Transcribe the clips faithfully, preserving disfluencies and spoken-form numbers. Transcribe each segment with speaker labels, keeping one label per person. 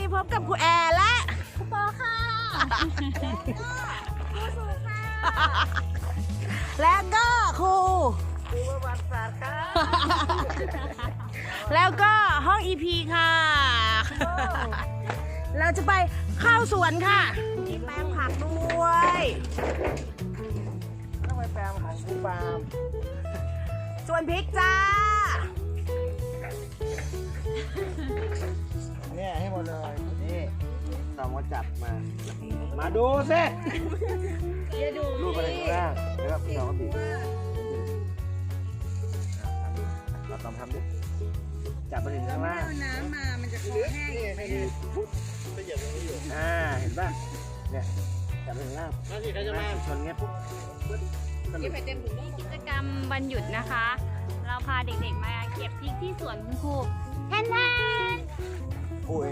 Speaker 1: พบกับครูแอร์และ
Speaker 2: ครูปอค่ะครูสุค่ะ
Speaker 1: แล้วก็ครู
Speaker 3: ครูประวัติศาสตร์ครับ
Speaker 1: แล้วก็ห้อง อี พี ค่ะ เราจะไปเข้าสวนค่ะมีแปลงผักด้วย
Speaker 3: ต้องไปแปลงของครูปาล์ม
Speaker 1: ส่วนพริกจ้า
Speaker 3: เนี่ยให้หมดเลยนี่ตอมก็จับมา มาดูสิรูปอะไรข้างล่างแล้วก็พี่น้องก็บีบเราตอมทำดิจับไปถึงข้างล่าง
Speaker 2: น้ำมามันจะคอแห้ง
Speaker 3: อ่าเห็นป่ะเนี่ยจับไปถึงล่างชนเงี้ยปุ๊บปึ๊บสนุก
Speaker 2: กิจกรรมวันหยุดนะคะ เราพาเด็กๆมาเก็บพริกที่สวนคุณครูแทนแทน
Speaker 3: กูเอง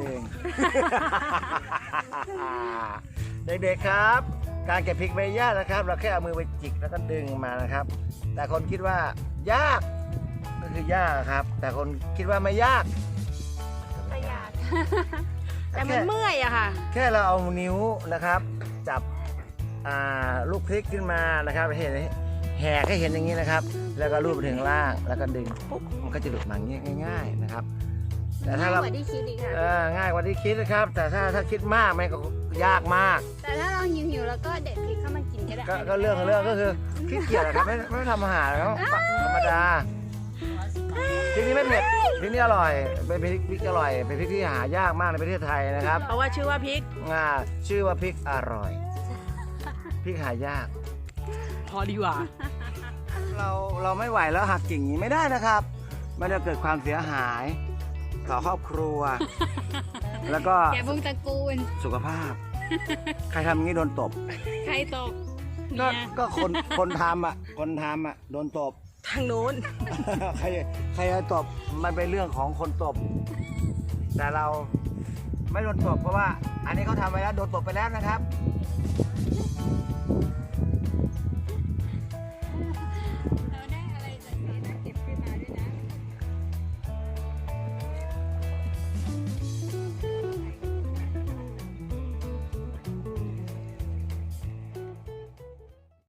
Speaker 3: เด็กๆครับ การเก็บพริกไม่ยากนะครับ เราแค่เอามือไปจิกแล้วก็ดึงมานะครับ แต่คนคิดว่ายากก็คือยากครับ แต่คนคิดว่าไม่ยาก
Speaker 2: ประหยัด
Speaker 1: แต่มันเมื่อยอะค่ะ
Speaker 3: แค่เราเอานิ้วนะครับ จับอ่าลูกพริกขึ้นมานะครับเห็นแหกให้เห็นอย่างนี้นะครับ แล้วก็ลูบไปถึงล่างแล้วก็ดึงปุ๊บมันก็จะหลุดมาอย่างนี้ง่าย ๆนะครับ แต่ถ้าเรา
Speaker 2: ง่ายกว่าที่คิดอีกค่ะ
Speaker 3: เออง่ายกว่าที่คิดนะครับ แต่ถ้าถ้าคิดมากมันก็ยากมาก
Speaker 2: แต่ถ้าเราหิวๆแล้วก็เด็ดพริกเข้ามากินก็ได้
Speaker 3: ก็ก็เรื่องของเรื่องก็คือขี้เกียจนะครับไม่ไม่ทำอาหารแล้วธรรมดาพริกนี้ไม่เผ็ดพริกนี้อร่อยเป็นพริกพริกอร่อยเป็นพริกที่หายากมากในประเทศไทยนะครับ
Speaker 1: เพราะว่าชื่อว่าพริก
Speaker 3: อ่าชื่อว่าพริกอร่อยพริกหายาก
Speaker 1: พอดีกว่า
Speaker 3: เราเราไม่ไหวแล้วหักกิ่งอย่างนี้ไม่ได้นะครับ มันจะเกิดความเสียหายต่อครอบครัว แล้วก็
Speaker 2: แกบุ้งตระกูล
Speaker 3: สุขภาพ ใครทำอย่างนี้โดนตบ
Speaker 2: ใครตก
Speaker 3: ก็
Speaker 2: เนี่ย
Speaker 3: ก็คนคนทำอ่ะคนทำอ่ะโดนตบ
Speaker 1: ทางนู้น
Speaker 3: ใครใครจะตบมันเป็นเรื่องของคนตบ แต่เราไม่โดนตบเพราะว่า อันนี้เขาทำไปแล้วโดนตบไปแล้วนะครับ